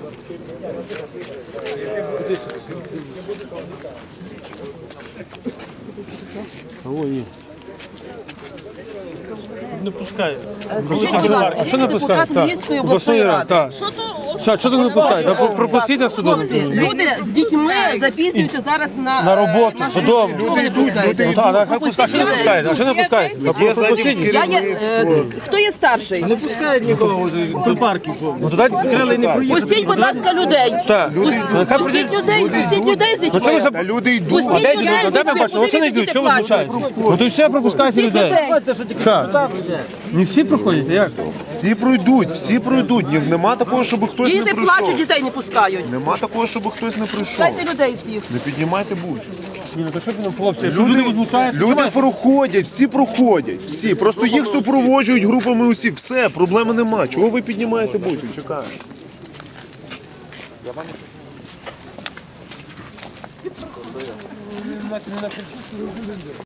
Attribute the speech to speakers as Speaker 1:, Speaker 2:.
Speaker 1: Не пускає.
Speaker 2: Скажіть, будь ласка,
Speaker 3: що не пускає?
Speaker 2: депутат Львівської обласної ради. Що
Speaker 3: Що ти не пускаєш? Пропустіть на судом.
Speaker 2: Хлопці, люди з дітьми запізнюються зараз
Speaker 3: На роботу, судом.
Speaker 2: Чого ви не пускаєте?
Speaker 3: Хай пускає, що не пускаєте? А що не пускаєте?
Speaker 2: Хто є старший?
Speaker 1: Не пускають нікого до парків.
Speaker 3: Ну туди крили не проїхали.
Speaker 2: Пустіть, будь ласка, людей.
Speaker 3: Так.
Speaker 2: Пустіть людей з
Speaker 3: Ну що ви
Speaker 2: дітьми.
Speaker 3: за...
Speaker 4: Та люди йдуть.
Speaker 2: Пустіть
Speaker 3: Де
Speaker 2: людей
Speaker 3: йдуть?
Speaker 2: з
Speaker 3: Де ми
Speaker 2: дітьми.
Speaker 3: бачимо? Що не йдуть? Чого ви знущаєтесь? Ну то все пропускайте
Speaker 2: Пустіть
Speaker 3: людей.
Speaker 2: людей.
Speaker 3: Так. Не всі проходять, а як?
Speaker 4: Всі пройдуть. Нема такого, щоб хтось не
Speaker 2: Діти
Speaker 4: прийшов.
Speaker 2: плачуть, дітей не пускають.
Speaker 4: Нема такого, щоб хтось не прийшов.
Speaker 2: Дайте людей всіх.
Speaker 4: Не піднімайте будь.
Speaker 3: Ні, ну то що ви нам, хлопці? Що люди возмущаються?
Speaker 4: Люди проходять, всі проходять. Всі. Просто їх супроводжують групами усі. Все, проблеми нема. Чого ви піднімаєте будь? Чекаємо.